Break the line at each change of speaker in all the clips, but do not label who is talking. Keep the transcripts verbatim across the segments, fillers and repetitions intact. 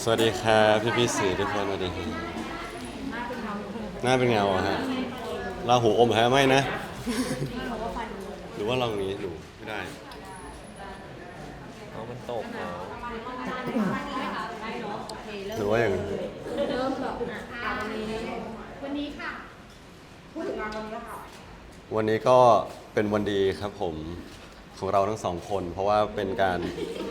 วัสดีครับพี่พี่สื่อทุกคนสวัสดีครับหน้าเป็นเงาอะฮะราหูอมฮะไม่นะหรือว่าลองนี้หนูไม่ได้
เอามันตกเหรอ
หรือว่าอย่าง
เริ่มแบบอ่ะวันนี้วันนี้ค่ะพูดถึงงานวันนี้แล้วค่ะ
วันนี้ก็เป็นวันดีครับผมของเราทั้งสองคน เพราะว่าเป็นการ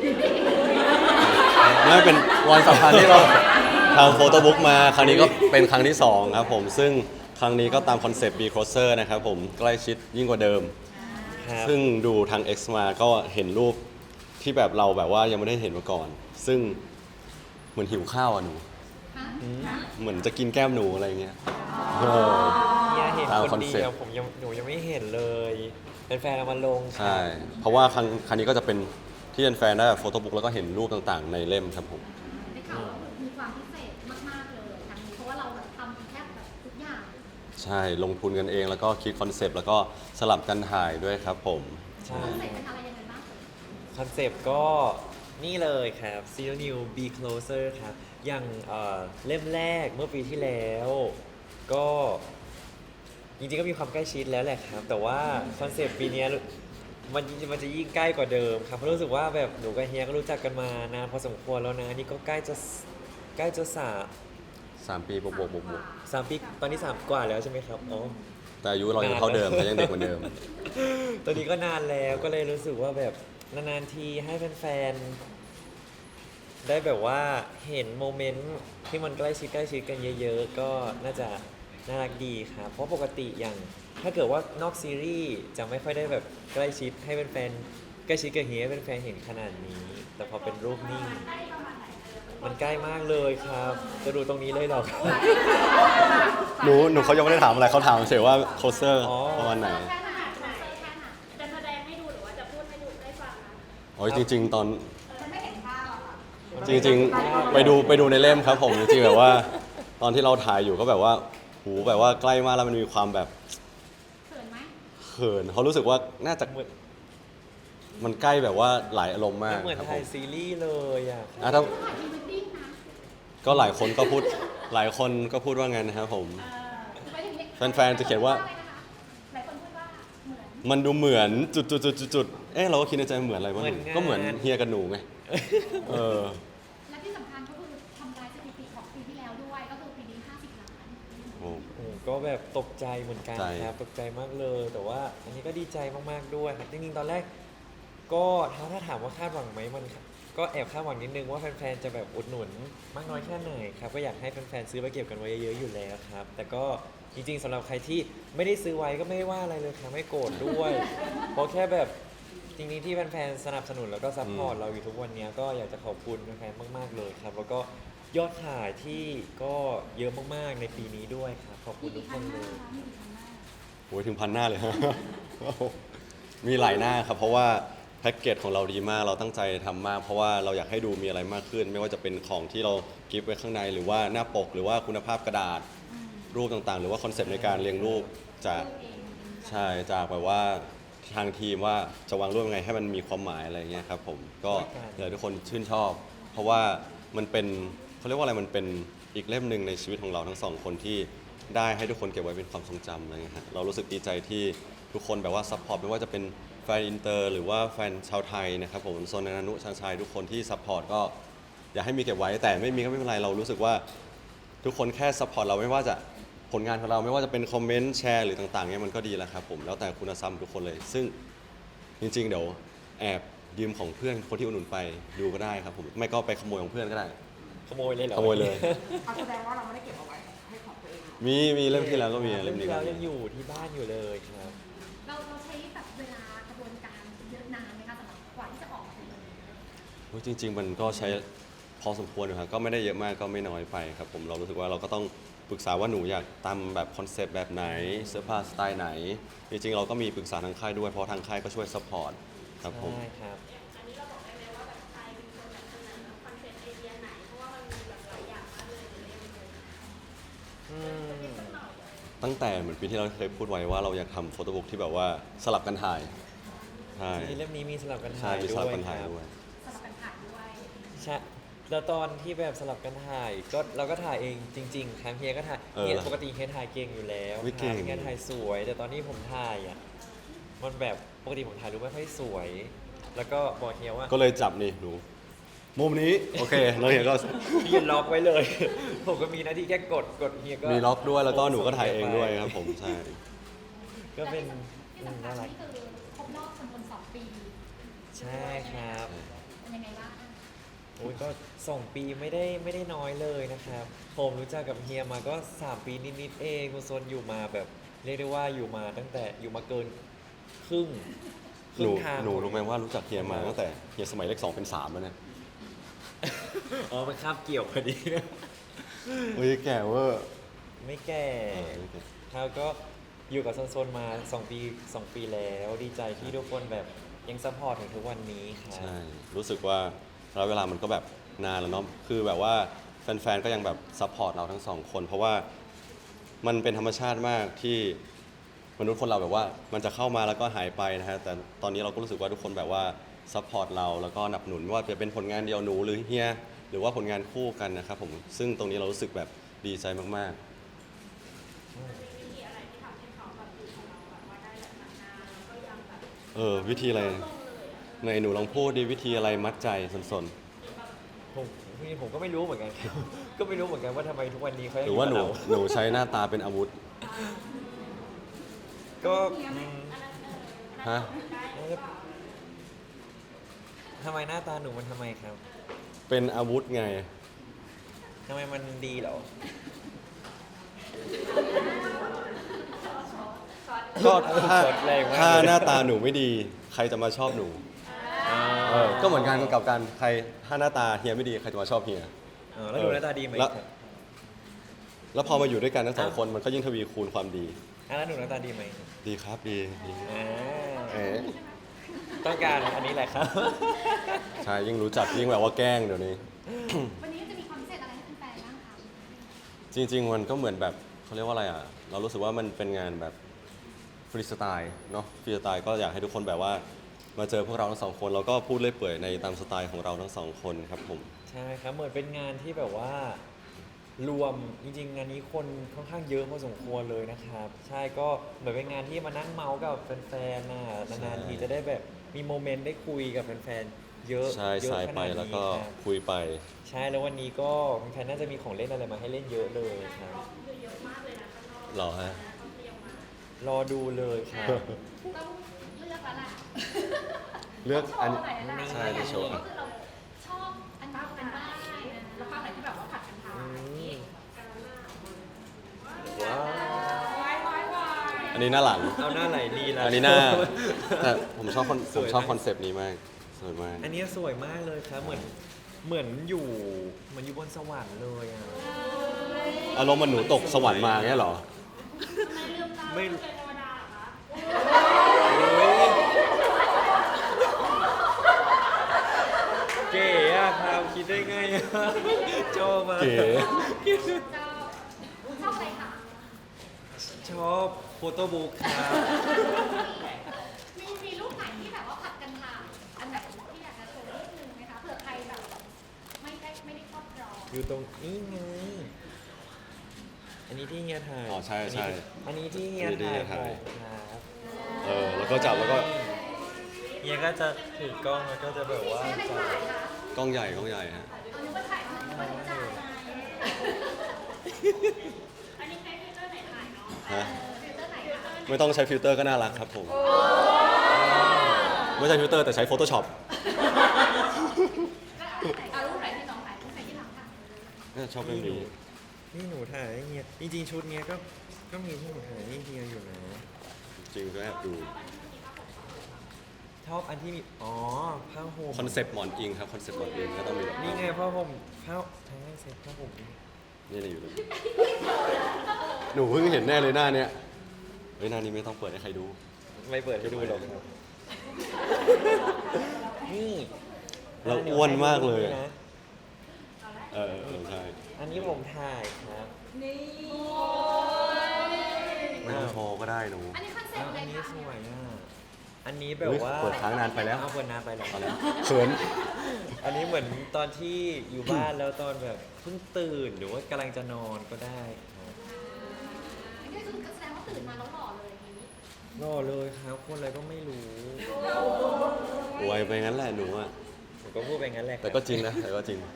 ไม่เป็นวันสำคัญที่เราทำโฟโต้บุ๊กมาครั้งนี้ก็เป็นครั้งที่สองครับผมซึ่งครั้งนี้ก็ตามคอนเซปต์ Be Closer นะครับผมใกล้ชิดยิ่งกว่าเดิมซึ่งดูทาง X มาก็เห็นรูปที่แบบเราแบบว่ายังไม่ได้เห็นมาก่อน ซึ่งเหมือนหิวข้าวอ่ะหนูเหมือนจะกินแก้มหนูอะไรเงี้ย
เฮียเห็นคน
ตามคอนเซ็ปต์
เดียวผมยังหนูยังไม่เห็นเลยเป็นแฟนเอามาลง
ใช่เพราะว่าครั้งครั้งนี้ก็จะเป็นที่แฟนๆได้แบบโฟโต้บุ๊กแล้วก็เห็นรูปต่างๆในเล่มครับผม
ได้ข่าวว่ามีความพิเศษมากๆเลยครั้งนี้เพราะว่าเราแบบทำแทบแบบทุกอย่าง
ใช่ลงทุนกันเองแล้วก็คิดคอนเซปต์แล้วก็สลับกันถ่ายด้วยครับผม
ใช่
คอนเซ็ปต์เป็นอะไรยังไงบ้าง
คอนเซปต์ก็นี่เลยครับ Zero New Be Closer ครับอย่างเอ่อเล่มแรกเมื่อปีที่แล้วก็จริงๆก็มีความใกล้ชิดแล้วแหละครับแต่ว่าคอนเซปต์ปีนี้มันมันจะยิ่งใกล้กว่าเดิมครับเพราะรู้สึกว่าแบบหนูกับเฮียก็รู้จักกันมานานพอสมควรแล้วนะนี่ก็ใกล้จะใกล้จะสาม
สามปีบวกบวกบวกบวก
สามปีตอนนี้สามกว่าแล้วใช่ไหมครับอ๋อ
แต่อายุเรายังเท่าเดิมแต่ยังเด็กเหมือนเดิม
ตอนนี้ก็นานแล้วก็เลยรู้สึกว่าแบบนานๆทีให้แฟนๆได้แบบว่าเห็นโมเมนต์ที่มันใกล้ชิดใกล้ชิดกันเยอะๆก็น่าจะน่ารักดีครับเพราะปกติอย่างถ้าเกิดว่านอกซีรีส์จะไม่ค่อยได้แบบใกล้ชิดให้แฟนๆใกล้ชิดกับเฮียให้แฟนๆเห็นขนาดนี้ แต่พอเป็นรูปนิ่งมันใกล้มากเลยครับจะดูตรงนี้เลยหรอครับ
หนูหนูเขายังไม่ได้ถามอะไรเขาถามเฉยว่าโคเซอร์ประมาณไหน
แค่ไหนแค่ไหนจะแสดงให้ดูหรือว่าจะพูดให้ดูได้ฟังนะ
โอ้ยจริงๆตอน
มันไม่เห็นภาพอะค่ะ
จริงๆไปดูไปดูในเล่มครับผมจริงๆแบบว่าตอนที่เราถ่ายอยู่ก็แบบว่าหูแบบว่าใกล้มากแล้วมันมีความแบบ
เขินไหม
เขินเขารู้สึกว่าน่าจะมันใกล้แบบว่าหลายอารมณ์มาก
เหมือน
ครับผ
ถ่าย
ม
ซีรีส์เลยอ่ะ
อ่ะถ้า
ถ่ายพรีเวดดิ้งนะ
ก็หลายคนก็พูดหลายคนก็พูดว่างั้นนะครับผม
เออไปถึงนี้
แฟนๆจะเขียนว่า
หลายคนพูดว่าเหมือน
มันดูเหมือนจุดจุดจุดจุดจุดเอ๊ะเราก็คิดในใจเหมือนอะไรวะหนูก็เหมือนเฮียกับหนูไงเออ
และที่สำคัญก็คือทำลายสถิติของปีที่แล้วด้วยก็คือปีนี้ห้าสิบล้าน
โอ้
โอ้ก็แบบตกใจเหมือนกัน
ใจ
ครับตกใจมากเลย แต่ว่าอันนี้ก็ดีใจมากๆด้วยครับจริงๆตอนแรก ก็ถ้าถ้าถามว่าคาดหวังไหมมันก็แอบคาดหวังนิดนึงว่าแฟนๆจะแบบอุดหนุนมากน้อยแค่ไหนครับก็อยากให้แฟนๆซื้อไปเก็บกันไว้เยอะๆอยู่แล้วครับแต่ก็จริงๆสำหรับใครที่ไม่ได้ซื้อไว้ก็ไม่ว่าอะไรเลยครับไม่โกรธด้วย เพราะแค่แบบจริงๆที่แฟนๆสนับสนุนแล้วก็ซัพพอร์ตเราอยู่ทุกวันนี้ก็อยากจะขอบคุณแฟนๆมากๆเลยครับแล้วก็ยอดขายที่ก็เยอะมากๆในปีนี้ด้วยครับขอบคุณทุกคนเลย
โหถึงพันหน้าเลยฮะ มีหลายหน้าครับเพราะว่าแพ็กเกจของเราดีมากเราตั้งใจทำมากเพราะว่าเราอยากให้ดูมีอะไรมากขึ้น ไม่ว่าจะเป็นของที่เรากิฟต์ไว้ข้างในหรือว่าหน้าปกหรือว่าคุณภาพกระดาษรูปต่างๆ หรือว่าคอนเซปต์ในการเรียงรูปจากใช่จากแบบว่าทางทีมว่าจะวางรูปยังไงให้มันมีความหมายอะไรเงี้ยครับผมก็อยากให้ทุกคนชื่นชอบ เพราะว่ามันเป็นเขาเรียกว่าอะไรมันเป็นอีกเล่มหนึ่งในชีวิตของเราทั้งสองคนที่ได้ให้ทุกคนเก็บไว้เป็นความทรงจำอะไรเงี้ยฮะเรารู้สึกดีใจที่ทุกคนแบบว่าซัพพอร์ตไม่ว่าจะเป็นแฟนอินเตอร์หรือว่าแฟนชาวไทยนะครับผมโซนนานุชาญชัยทุกคนที่ซัพพอร์ตก็อยากให้มีเก็บไว้แต่ไม่มีก็ไม่เป็นไรเรารู้สึกว่าทุกคนแค่ซัพพอร์ตเราไม่ว่าจะผลงานของเราไม่ว่าจะเป็นคอมเมนต์แชร์หรือต่างๆเนี่ยมันก็ดีแล้วครับผมแล้วแต่คุณธรรมทุกคนเลย ซึ่งจริงๆเดี๋ยวแอบยืมของเพื่อนคนที่อุดหนุนไปดูก็ได้ครับผมไม่ก็ไปขโมยของเพื่อนก็ได้
ขโมยเลยเหรอ
ขโมยเลย
เอาแสดงว่าเราไม่ได้เก็บเอาไว้ให้ของตัวเองหรอ
มีมีเล่มที่แล้วก็มีเล่มนี้ก็
เรา
มี
ยังอยู่ที่บ้านอยู่เลยครับ
เราเราใช้แบบเวลากระบวนการเยอะนานไหมคะสำหรับกว่าที่จะออกมาเป็นแบบนี้
โอ้ยจริง ๆ มันก็ใช้พอสมควรอยู่ครับก็ไม่ได้เยอะมากก็ไม่น้อยไปครับผมเรารู้สึกว่าเราก็ต้องปรึกษาว่าหนูอยากตามแบบคอนเซปต์แบบไหนเสื้อผ้าสไตล์ไหนจริงๆเราก็มีปรึกษาทางค่ายด้วยเพราะทางค่ายก็ช่วยซัพพอร์ตครับผม
ใช่ครับ อืม
ตั้งแต่เหมือนปีที่เราเคยพูดไว้ว่าเราอยากทำโฟโต้บุ๊กที่แบบว่าสลับกันถ่ายใช่
ในเล่มนี้มีสลับกัน
ใช่
ถ่าย
มี
ด้
สลับ
วย
กันถ่าย
ครับ
ด้วย
สำหรับการถ่ายด้วย
ใช่แล้วตอนที่แบบสลับกันถ่ายก็เราก็ถ่ายเองจริงๆครับเฮียก็ถ่าย
เออ
เฮียปกติเฮียถ่ายเก่งอยู่แล้ว
ไม่
ค
เก่
รับ
ง
เฮียถ่ายสวย แต่ตอนนี้ผมถ่ายอ่ะมันแบบปกติผมถ่ายรูปไม่ค่อยสวย แล้วก็บอกเฮียว่า
ก็เลยจับนี่หนูมุมนี้โอเคแล้วเฮียก็
เฮียล็อกไว้เลย ผมก็มีหน้าที่แค่กดกดเฮียก็
มีล็อกด้วยแล้วก็หนูก็ถ่ายเองด้วยครับผมใช่
ก็เป็น
ที่
อืม
สำคั
น่า
ญ
รัก
นี่คือครบรอบจำนวนสองปี
ใช่ครับ
เป็นยังไงบ้าง
โอ้ยก็สองปีไม่ได้ไม่ได้น้อยเลยนะครับ ผมรู้จักกับเฮียมาก็สามปีนิดๆเองคุณโซนอยู่มาแบบเรียกได้ว่าอยู่มาตั้งแต่อยู่มาเกินครึ่งค
หนู
รึ่งทาง
หนูรู้ไหมว่ารู้จักเฮียมาตั้งแต่เฮียสมัยเลขสองเป็นสามแล้วเนี่ย
อ๋อมันคาบเกี่ยวพอดี
เฮ้ยแก่เวอร์
ไม่แก่
เออไม่แก่
แล้วก็อยู่กับโซนๆมาสองปีสองปีแล้วดีใจที่ทุกคนแบบยังซัพพอร์ตถึงทุกวันนี้ครับ
ใช่รู้สึกว่าระยะเวลามันก็แบบนานแล้วเนาะคือแบบว่าแฟนๆก็ยังแบบซัพพอร์ตเราทั้งสองคน เพราะว่ามันเป็นธรรมชาติมากที่มนุษย์คนเราแบบว่ามันจะเข้ามาแล้วก็หายไปนะฮะแต่ตอนนี้เราก็รู้สึกว่าทุกคนแบบว่าซัพพอร์ตเราแล้วก็หนับหนุนไม่ว่าจะเป็นผลงานเดียวหนูหรือเฮียหรือว่าผลงานคู่กันนะครับผมซึ่งตรงนี้เรารู้สึกแบบดีใจมากๆเออวิธีอะไรในหนูลองพูดดิวิธีอะไรมัดใจสน
ผมพี่ผมก็ไม่รู้เหมือนกัน ครับ ก็ไม่รู้เหมือนกันว่าทำไมทุกวันนี้เขา
ๆ
ยั
ห
ง
รือว่าหนู
ยู่กับ
หนูใช้หน้าตาเป็นอาวุธ
เราก็อืม
ฮะ
ทำไมหน้าตาหนูมันทำไมครับ
เป็นอาวุธไง
ทำไมมันดีเหรอ
ก็ถ้า
สดแรงมาก
ถ้า
เลย
หน้าตาหนูไม่ดี ใครจะมาชอบหนูเออก็เหมือนกันกับการใครถ้าหน้าตาเฮียไม่ดีใครจะมาชอบเฮีย
เออแล้วหนูหน้าตาดีไหม
แล้ว
ครับ
แล้วพอมาอยู่ด้วยกันทั้งสองคนมันก็ยิ่งทวีคูณความดี
อ่ะแล้วหนูหน้าตาดีไหม
ดีครับดีดี
อ่า
เอ๋
ต้องการอันนี้แหละครับ
ใช่ยิ่งรู้จักยิ่งแบบว่าแกล้งเดี๋ยวนี้
วันนี้จะมีความพิเศษอะไรให้แฟนๆบ้างคะ
จริง ๆ มันก็เหมือนแบบเขาเรียกว่าอะไรอ่ะ เรารู้สึกว่ามันเป็นงานแบบฟรีสไตล์เนาะฟรีสไตล์ก็อยากให้ทุกคนแบบว่า มาเจอพวกเราทั้งสองคนแล้วก็พูดเล่อยเปื่อยในตามสไตล์ของเราทั้งสองคนครับผม
ใช่ครับเหมือนเป็นงานที่แบบว่ารวมจริงๆงานนี้คนค่อนข้างเยอะพอสมควรเลยนะครับ ใช่ก็เหมือนเป็นงานที่มานั่งเมาส์กับแฟนๆน่ะนานๆทีจะได้แบบมีโมเมนต์ได้คุยกับแฟนๆเยอะ
ใช่
เยอะ
สาย
ข
ไป
นาด
แล้ว
นี้
ก็
ครับ
คุยไป
ใช่แล้ววันนี้ก็แฟนๆน่าจะมีของเล่นอะไรมาให้เล่นเยอะเลยครับ
เหรอฮะ
รอดูเลยครับ
ต้องเลือกแล้วล่ะ
เลือกอัน
ชบไหแล้วล่ะ
ใช่ในโชว์
ก็คือเราชอบอันนี้เป็นบ้านนะ
แล้วภาพไหนที่แบบว่าผัดกันทา
อื
น
มว้าว
วายวายวาย
อันนี้หน้าหลัง
เอาหน้าไหลดีแล้ว
อันนี้หน้า แต่ผมชอบคอน
ส
ผม
วย
ชอบ
ไหม
คอนเซปต์นี้มากสวยมาก
อันนี้สวยมากเลยครับ เหมือนเหมือนอยู่เหมือนอยู่บนสวรรค์เลยอ่ะ
อารมณ์มันหนูตกสวรรค์มาเงี้ยเหรอ
ไม่เก๋อะครับคิดได้ไงอะชอบมาก
เก๋
ชอบชอบอะไรคะ
ชอบโฟโต้บุ๊กครับ
มีมีรูปไหนที่แบบว่าผัดกันถ่ายอันไหนที่อยากจะโชว์นิดนึงไหมคะเผื่อใครแบบไม่ได้ไม่ได้ครอบครอง
อยู่ตรงนี้ไง อันนี้ที่เฮียถ่าย
อ๋อใช่ใช่
อันนี้ที่เฮีย
อันนี้ที่
ถ่าย
เฮียถ่าย
ผมครับ
เออแล้วก็จับแล้วก็
เฮียก็จะถือกล้องแล้วก็จะแบบว่า
ใช้อะไร
จับ
ถ่ายคะ
กล้องใหญ่กล้องใหญ่ฮะ
เอานึกว่าถ่ายรูปบริจาคไงอันนี้ใช้ฟิลเตอร์ไหนถ่ายเนาะ
ฮะ
ฟิลเตอร์ไหนคะ
ไม่ต้องใช้ฟิลเตอร์ก็น่ารักครับผม ไม่ใช่ฟิลเตอร์แต่ใช้ Photoshop
เอารูปไหนที่น้องถ่ายรูปไหนที่หลังค่ะ
น่าชอบเรื่องนี้
นี่หนูถ่ายให้เฮีย จริงๆชุดเนี้ยก็ก็มีที่หนูถ่ายให้เฮียอยู่นะ
จริงก็แอบดู
ชอบอันที่มี อ๋อ ผ้าห่ม
คอนเซปต์หมอนอิงครับคอนเซปต์หมอนอิงก็ต้องมีแบบ
นี่ไงผ้าห่มผ้าใช่เซ็ตผ้าห่ม
นี่เลยอยู่เลยหนูเพิ่งเห็นแน่เลยหน้าเนี้ยเฮ้ยหน้านี้ไม่ต้องเปิดให้ใครดู
ไม่เปิดให้ดูหรอกครับนี่
เราอ้วนมากเลย
นี่
อะ
นะ
เออเออใช่
อันนี้ผมถ่ายครับ
นี่
ไม่ต้องโชว์ก็ได้หนู
อันนี้คอนเซ็
แล้
ป
ว
ต์เล
อั
ย
นนี้
ค่ะ
สวยอ่ะ อันนี้แบบ
อุ๊ย
ว่า
เปิดค้างนานไปแล้ว
เอาเปิดนานไปแล้ว
เอาแล้วเขิน
อัอันนี้เหมือนตอนที่อยู่บ้านแล้วตอนแบบเพิ่งตื่นหรือว่ากำลังจะนอนก็ได้ครับ
อันนี้คือแสดงว่าตื่นมาแล้วหล่อเลยอย่างนี้
รอเลยครับคนอะไรก็ไม่รู้
ไวไปงั้นแหละหนูอะ
ผมก็พูดไปงั้นแหละคบ
แต่ก็จริงนะแต่ก็จริง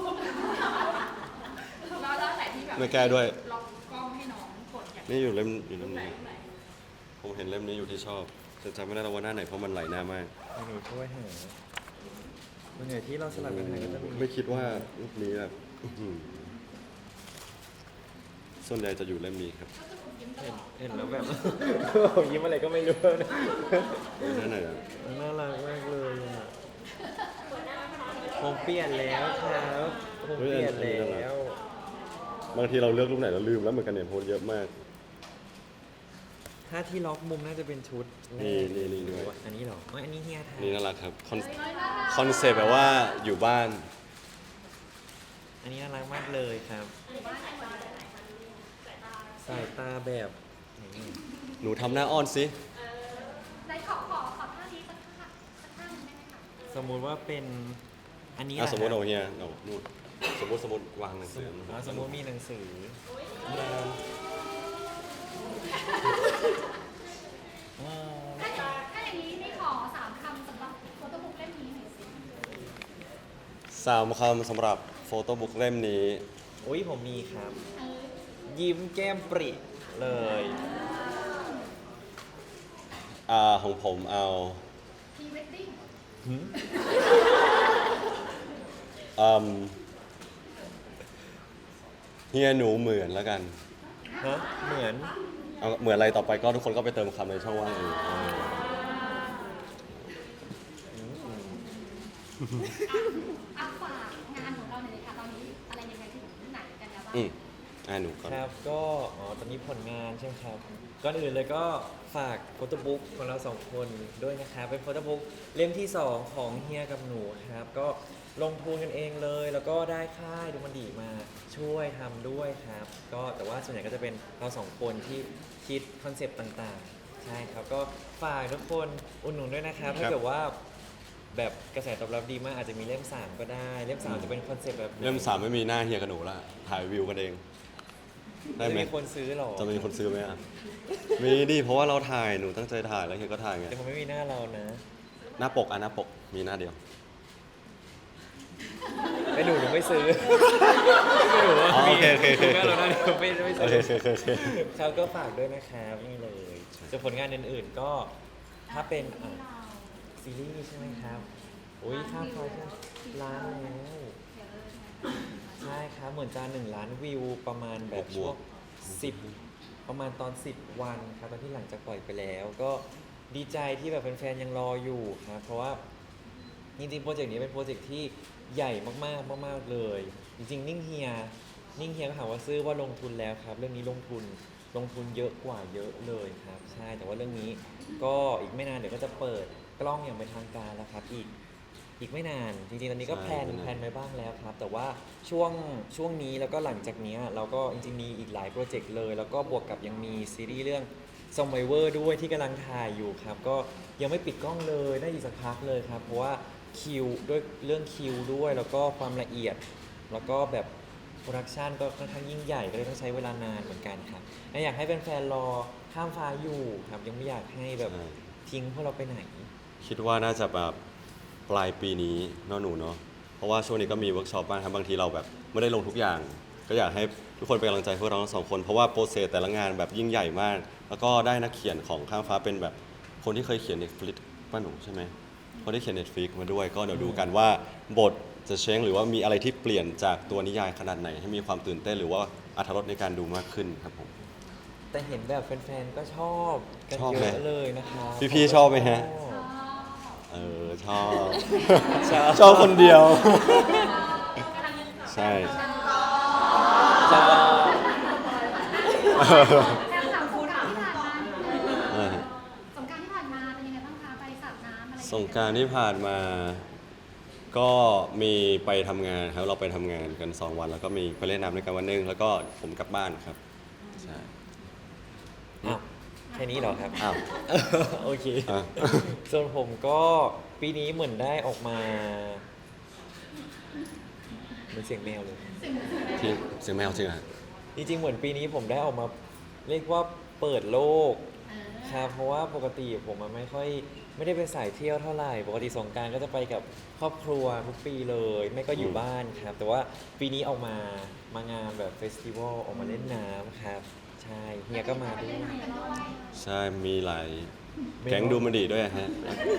แล้วแล้วไหนที่แบบ
ไม่แก้ด้วย
ล็อกกล้องให้น้องกดอย่าง
นี่อยู่เล่มอยู่เล่ม
ไหน
นี้
ไหน
ผมเห็นเล่มนี้อยู่ที่ชอบแต่จำไม่ได้แล้วว่าหน้าไหนเพราะมันไหลหน้ามาก
หนูช่วยหาส่วนใหญ่ที่เราสลับกันหาก็จะมี
ไม่คิดว่ารูปนี้แบบอื้อหือส่วนใหญ่จะอยู่เล่มนี้ครับ
ก็คือคุณยิ้มต
เห็
ล
น
อด
เห็นแล้วแบบ ผมยิ้มอะไรก็ไม่รู้นะ
หน้าไหนอะ
น่ารักมากเลยอ่ะผมเปลี่ยนแล้วครับผมเปลี่ยนแล้ว
บางทีเราเลือกรูปไหนเราลืมแล้วเหมือนกันเนี่ยโพสต์เยอะมาก
ถ้าที่ล็อกมุมน่าจะเป็นชุดแรก
นี่นี่นี่ด้วย
อันนี้เหรอเอ้ยอันนี้เฮียทำ
นี่น่ารักครับคอนคอนเซปต์แบบว่าอยู่บ้าน
อันนี้น่ารักมากเลยครับ สายตาแบบนี่
หนูทำหน้าอ้อนสิ
ไหนขอขอขอท่านี้สักท่าสักท่าหนึงได้ไหมคะ
สมมุติว่าเป็นอันนี้
อ่ะ
แหละ
สมมติ
ครั
เอา
บ
เฮียเอานู่นสมมติสมมติวางหนังสือ
อ่าสมมุติมีหนังสืออ่า
ถ้าอย่างถ้าอย่างนี้นี่ขอสามคำสำหรับโฟโต้บุ๊กเล่มนี้หน่อยสิ
สามคำสำหรับโฟโต้บุ๊กเล่มนี้
อุ้ยผมมีครับ
เออ
ยิ้มแก้มปริเลย
อ่าของผมเอา
พรีเวดดิ้ง
อืมเฮียหนูเหมือนแล้วกัน
ฮะเหมือน
เอาเหมือนอะไรต่อไปก็ทุกคนก็ไปเติมคำในช่องว่างเองเออ
อ่ะฝากงานของเราหน่อยเลยค่ะตอนนี้อะไรยังไงถึงไหนกันแล้วบ้าง
อืมอ่าหนูก่อน
ครับก็อ๋อตอนนี้ผลงานใช่ไหมครับก่อนอื่นเลยก็ฝากโฟโต้บุ๊กของเราสองคนด้วยนะครับเป็นโฟโต้บุ๊กเล่มที่สองของเฮียกับหนูครับก็ลงทุนกันเองเลย แล้วก็ได้ค่ายดูมันดีมาช่วยทำด้วยครับก็แต่ว่าส่วนใหญ่ก็จะเป็นเราสองคนที่คิดคอนเซปต์ต่างๆใช่ครับก็ฝากทุกคนอุดหนุนด้วยนะครับถ้าเกิดว่าแบบกระแสตอบรับดีมากอาจจะมีเล่มสามก็ได้เล่มสามจะเป็นคอนเซปต์แบบไหน
เล่มสามไม่มีหน้าเฮียกับหนูละถ่ายวิวกันเอง ได้ไหม
จะมีคนซื้อหรอ
จะมีคนซื้อไหมอ่ะ มีดิเพราะว่าเราถ่ายหนูตั้งใจถ่ายแล้วเฮียก็ถ่ายไง
แต่มันไม่มีหน้าเรานะ
หน้าปกอ่ะหน้าปกมีหน้าเดียว
ไอ้หนูหนูไม่ซื้อไอ้หนูว่า
อ๋อโอเคโอเคโอเค
หน้าเราหน้าเดียวไม่ไม่
โอ
ซื้
เค
อ
โอเคโอเค
ครับก็ฝากด้วยนะครับนี่เลยส่วนผลงานอื่นๆก็ถ้าเป็นอ่ะซีรีส์ใช่ไหมครับอุ้ยข้ามคอยใช่ล้านแล้วใช่ครับเหมือนจะหนึ่งล้านวิวประมาณแบบช่วงสิบประมาณตอนสิบวันครับตอนที่หลังจากปล่อยไปแล้ว ก็ดีใจที่แบบแฟนๆยังรออยู่ครับเพราะว่าจริงๆโปรเจกต์นี้เป็นโปรเจกต์ที่ใหญ่มากๆมากๆเลย จริงๆนิ่งเฮียนิ่งเฮียก็ถามว่าซื้อว่าลงทุนแล้วครับ เรื่องนี้ลงทุนลงทุนเยอะกว่าเยอะเลยครับ ใช่แต่ว่าเรื่องนี้ก็อีกไม่นานเดี๋ยวก็จะเปิดกล้องอย่างเป็นทางการแล้วครับอีกอีกไม่นานจริงๆตอนนี้ก็
ใช่
แพลน
ไม่นาน
แพลนไว้บ้างแล้วครับ แต่ว่าช่วงช่วงนี้แล้วก็หลังจากเนี้ยเราก็จริงๆมีอีกหลายโปรเจกต์เลย แล้วก็บวกกับยังมีซีรีส์เรื่อง ซอมไวเวอร์ด้วยที่กำลังถ่ายอยู่ครับ ก็ยังไม่ปิดกล้องเลยน่าอีกสักพักเลยครับ เพราะว่าคิวด้วยเรื่องคิวด้วย แล้วก็ความละเอียด แล้วก็แบบโปรดักชันก็ค่อนข้างยิ่งใหญ่ก็เลยต้องใช้เวลานานเหมือนกันครับและอยากให้แฟนๆรอข้ามฟ้าอยู่ครับยังไม่อยากให้แบบ
ใช่
ทิ้งพวกเราไปไหน
คิดว่าน่าจะแบบปลายปีนี้เนาะหนูเนาะ เพราะว่าช่วงนี้ก็มีเวิร์กช็อปบ้างครับบางทีเราแบบไม่ได้ลงทุกอย่าง ก็อยากให้ทุกคนเป็นกำลังใจพวกเราทั้งสองคน เพราะว่าโปรเซสแต่ละงานแบบยิ่งใหญ่มาก แล้วก็ได้นักเขียนของข้ามฟ้าเป็นแบบคนที่เคยเขียน Netflix ป้าหนูใช่ไหมคนที่เขียน Netflix มาด้วย ก็เดี๋ยวดูกันว่าบทจะเช้งหรือว่ามีอะไรที่เปลี่ยนจากตัวนิยายขนาดไหน ให้มีความตื่นเต้นหรือว่าอรรถรสในการดูมากขึ้นครับผม
แต่เห็นแบบแฟนๆก็ชอบกัน
ชอบ
เย
ไหม
อะเลยนะครับ
พี่ๆชอบไหมฮะ
อ๋อ
เออชอบ
ชอบ
ชอบคนเดียว ใช่
ชอบ
แล้วถามสงกรานต์ที่ผ่านมา
เออ
สงกรานต์ที่ผ่านมาเป็นยังไงบ้างคะไปสาดน้ำอะไรอย่าง
ส
เงี้ย
งกรารที่ผ่านมา ก็มีไปทำงานครับเราไปทำงานกันสองวัน แล้วก็มีไปเล่นน้ำด้วยกันวันหนึงแล้วก็ผมกลับบ้านครับใช่
อ้าวแค่นี้เหรอครับ
อ้าว
โอเค
อ่ะ
ส่วนผมก็ปีนี้เหมือนได้ออกมาเหมือนเสียงแมวเลย
ที่เสียงแมวจริงอ่ะ
จริงๆเหมือนปีนี้ผมได้ออกมาเรียกว่าเปิดโลก
เออ
ครับเพราะว่าปกติผมมันไม่ค่อยไม่ได้เป็นสายเที่ยวเท่าไหร่ปกติสงกรารก็จะไปกับครอบครัวทุกปีเลย ไม่ก็อยู่บ้านครับ แต่ว่าปีนี้ออกมามางานแบบเฟสติวัลออกมาเล่นน้ำครับ ใช่เฮียก็มาด้วย
ใช่มีหลายแก๊งดูมันดีด้วยฮะ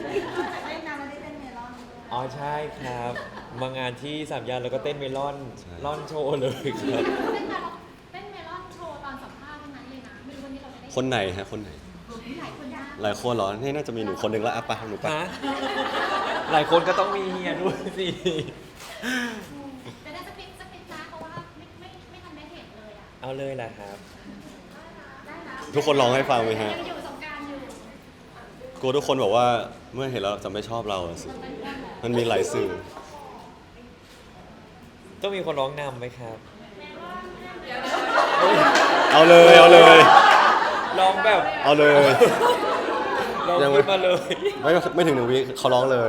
อ๋อใช่ครับ มางานที่สามย่านแล้วก็เต้นเมลอน
ใช่
ล่อนโชว์เลยครับ
เต้นเมลอนเต้นเมลอนโชว์ตอนสัมภาษณ์เท่านั้นเลยนะไม่รู้วันนี้เราจะได้
คนไหนฮะคนไหน
หลายคนยาก
หลายคนเหรอนี่น่าจะมีหนูคนหนึ่งละอ่ะไปะหนูไปะ
ฮะหลายคนก็ต้องมีเฮียด้วยสิ
จะได้สปิดสปิดนะเพราะว่าไม่ไม่ไม่ทันได้เห็นเลยอ่ะ
เอาเลยแหละครับ
ได้นะ
ทุกคนร้องให้ฟังไหมฮะ
ยังอยู่สงกรารอยู่
กลัวทุกคนบอกว่าเมื่อเห็นแล้วจะไม่ชอบเราอะสิ มันมีหลายสื่อ
ต้องมีคนร้องนำไหมครับ
เอาเลยเอาเลย
ร้องแบบ
เอาเลย
ร้อง
ยังไม่
ขึ้นมาเลย
ไม่ไม่ถึงหนึ่งวิเขาร้องเลย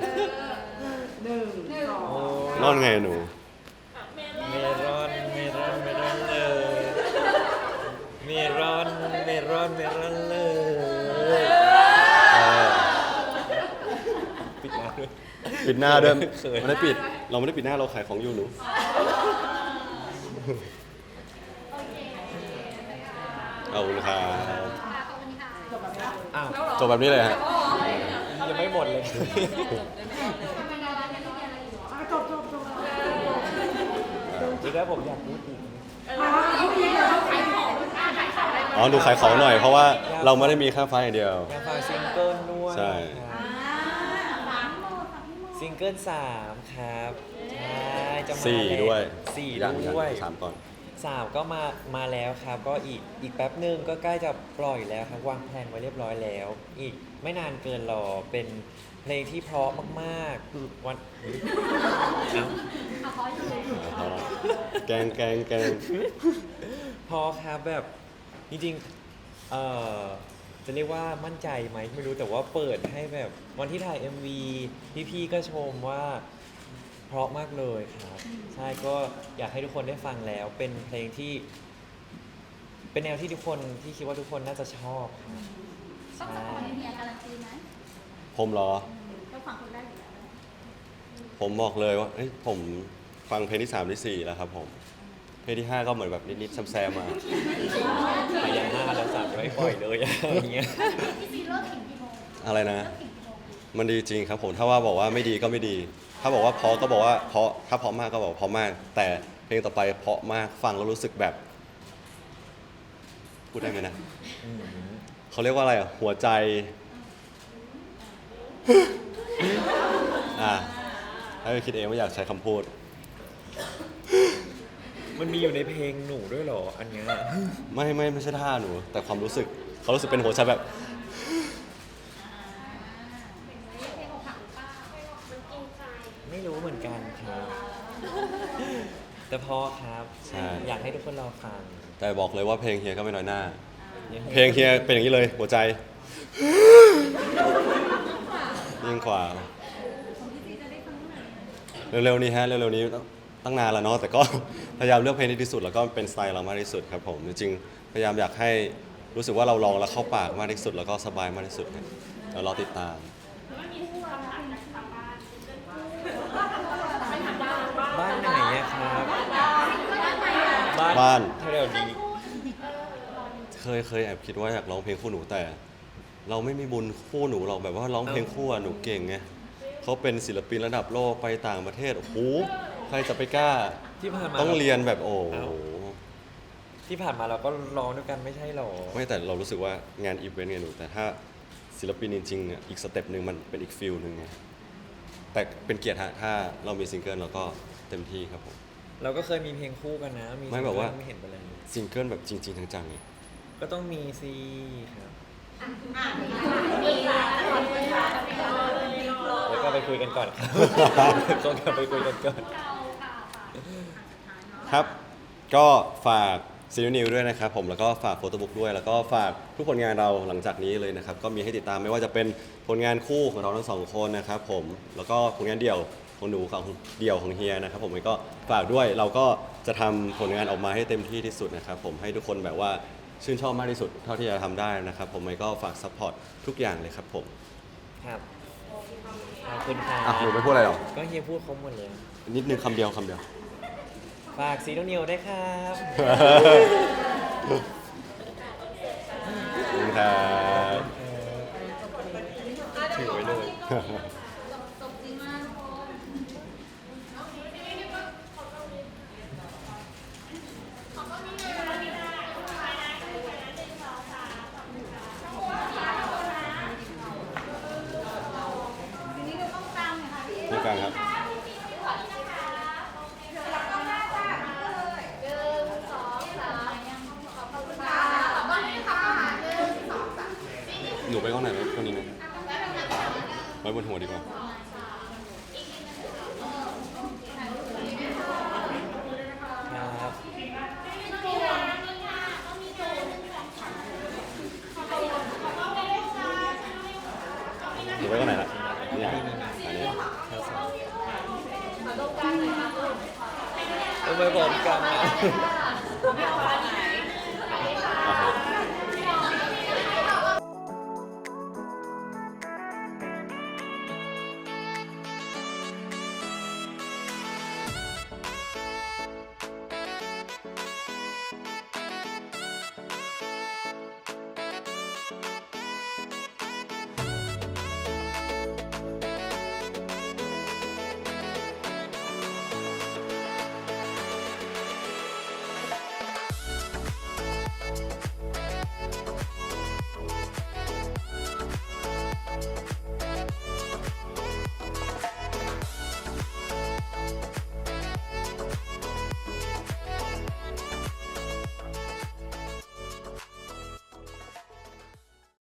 โอ้ย
นอนไงหนู
เมรอนเมรอนเมรอนเลยเมรอนเมรอนเมรอนเลย
เออ
ปิดหน้าด้วย
ปิดหน้าด้วย
เขิน
ไม่ได้ปิด เราไม่ได้ปิดหน้าเราขายของอยู่หนู
โอเค
ขอบคุณครับ
ค่ะขอบคุณค่ะจบแบบนี้
อ้าว
จบแบบนี้เลยฮะ
ยังไม่หมดเลย
ทำไมเราร้านนี้มีอะไรอยู่อ่ะจบจบจบ
เดี๋ยวนะผมอยากพูดอีก
ขายของอ่ะขายของอะไร
อ๋อหนูขายของหน่อย เพราะว่าเราไม่ได้มีค่าไฟอย่างเดียว
อยากฟังซิงเกิลด้วย
ใช่
ครับ
สามโมงสามโมง
ซิงเกิลสามครับใช่จะมา
สี่
แล้ว
ด้วย
สี่
อย่าง
ด้วย
สามก่อน
สามก็มามาแล้วครับ ก็อีกอีกแป๊บหนึ่งก็ใกล้จะปล่อยแล้วครับวางแผนไว้เรียบร้อยแล้ว อีกไม่นานเกินรอเป็นเพลงที่เพราะมากๆวันเอ้า
เอาขออยู่เลย
เอาละแกงแกงแกง
พอครับแบบจริงๆเอ่อจะเรียกว่ามั่นใจไหมไม่รู้แต่ว่าเปิดให้แบบวันที่ถ่าย เอ็ม วี พี่ๆก็ชมว่าเพราะมากเลยครับ ใช่ก็อยากให้ทุกคนได้ฟังแล้วเป็นเพลงที่ เป็นแนวที่ทุกคนที่คิดว่าทุกคนน่าจะชอบครับ
ต้องสปอยเมียการันตีไหม
ผมเหรอ
ต้องฟังคนแรกอยู่แล้ว
ผมบอกเลยว่าเอ้ยผมฟังเพลงที่สามที่สี่แล้วครับผม เพลงที่ห้าก็เหมือนแบบนิดๆแซมๆมา
ไปยันห้าแล้วสามจะไม่ปล่อยเลยอย่างเงี้ย
พี่ซีเลิกถึงกี่โมง
อะไรนะ
เลิกถึงกี่โมง
มันดีจริงครับผม ถ้าว่าบอกว่าไม่ดีก็ไม่ดี ถ้าบอกว่าเพราะก็บอกว่าเพราะ ถ้าเพราะมากก็บอกเพราะมาก แต่เพลงต่อไปเพราะมาก ฟังแล้วรู้สึกแบบ พูดได้ไหมนะ
อืม
เขาเรียกว่าอะไรอ่ะ หัวใจ อ่าให้ไปคิดเองว่าอยากใช้คำพูด
มันมีอยู่ในเพลงหนูด้วยเหรออันเนี้ย
ไม่ไม่ไม่ใช่ท่าหนู แต่ความรู้สึก เขารู้สึกเป็นหัวใจแบบ
เพลงอกหักหรือเปล่ามันจริงใจ
ไม่รู้เหมือนกันครับ แต่พอครับ
ใช่
อยากให้ทุกคนรอฟัง
แต่บอกเลยว่าเพลงเฮียก็ไม่น้อยหน้า
ยังไง
เพลงเฮียเป็นอย่างนี้เลย หัวใจ ยิ่งกว่า เร็วๆนี้ฮะ เร็วๆนี้ตั้งนานแล้วเนาะ แต่ก็ พยายามเลือกเพลงที่ดีที่สุด แล้วก็เป็นสไตล์เรามากที่สุดครับผม จริงๆ พยายามอยากให้รู้สึกว่าเราลองแล้วเข้าปากมากที่สุด แล้วก็สบายมากที่สุดครับเดี๋ยวรอติดตาม
บ้านไหนอะครับ
บ้าน
แถวๆนี้
เคยเคยแอบคิดว่าอยากร้องเพลงคู่หนูแต่ เราไม่มีบุญคู่หนูหรอกแบบว่าร้องเพลงคู่อะหนูเก่งไงเขาเป็นศิลปินระดับโลกไปต่างประเทศโอ้โหใครจะไปกล้า
ที่ผ่านมา
ต้องเรียนแบบโอ้โห
เอ้า ที่ผ่านมาเราก็ร้องด้วยกันไม่ใช่หรอ
ไม่แต่เรารู้สึกว่างานอีเวนต์ไงหนูแต่ถ้าศิลปินจริงๆอะอีกสเต็ปหนึ่งมันเป็นอีกฟิลหนึ่งไงแต่เป็นเกียรติฮะถ้าเรามีซิงเกิลเราก็เต็มที่ครับผม
เราก็เคยมีเพลงคู่กันนะ มี
ไม่แบบว่า
ไม่เห็นเป็นไรเลย
ซิงเกิลแบบจริงๆจังๆไง
ก็ต้องมีสิครับ
มีค่ะขอบคุณค่ะ
แล้วก็ไปคุยกันก่อนครับ ต้องกลับไปคุยกันก่อน
เราค่ะค่ะ
ครับ ก็ฝากซีนิวด้วยนะครับผมแล้วก็ฝากโฟโต้บุ๊กด้วย แล้วก็ฝากทุกผลงานเราหลังจากนี้เลยนะครับ ก็มีให้ติดตามไม่ว่าจะเป็นผลงานคู่ของเราทั้งสองคนนะครับผมแล้วก็ผลงานเดี่ยวของหนูของเดี่ยวของเฮียนะครับผมก็ฝากด้วยเราก็จะทำผลงานออกมาให้เต็มที่ที่สุดนะครับผมให้ทุกคนแบบว่าชื่นชอบมากที่สุดเท่าที่จะทำได้นะครับผมก็ฝากซัพพอร์ตทุกอย่างเลยครับผม
ครับขอบคุณครับ
อ่ะหนูไม่พูดอะไรหรอ
ก็เฮียพูดครบหมดเลย
นิดนึงคำเดียวคำเดียว
ฝากซีโนนิวได้วยครับ
ขอบคุณครับ
ถือไว้เลย
จบจริงมากทุกคนโอเคพี่ไม่ได้ว่าขอตรงนี้ขอตรงนี้เลยขอตรงนี้ได้ไปนะไปนะหนึ่งสองสามขอบคุณค่ะขอบคุณค่ะขอบคุณนะทีนี้เราต้องตามหน่อยค่ะพี่
นี่กันครับ
พี่พี่พี่ขอนี่นะคะโอเคค่ะแล้วก็หน้าจ้าเลยหนึ่งสองสามขอบคุณค่ะขอบคุณค่ะหนึ่งสองสาม
หนูไปห้องไหนไหมคนนี้ไหมไว้บนหัวดีกว่า
ครับ
หนูไปห้องไหนละนี่อันนี้
เอาไปบอกกันนะ
ไม่เอาอันนี้นะ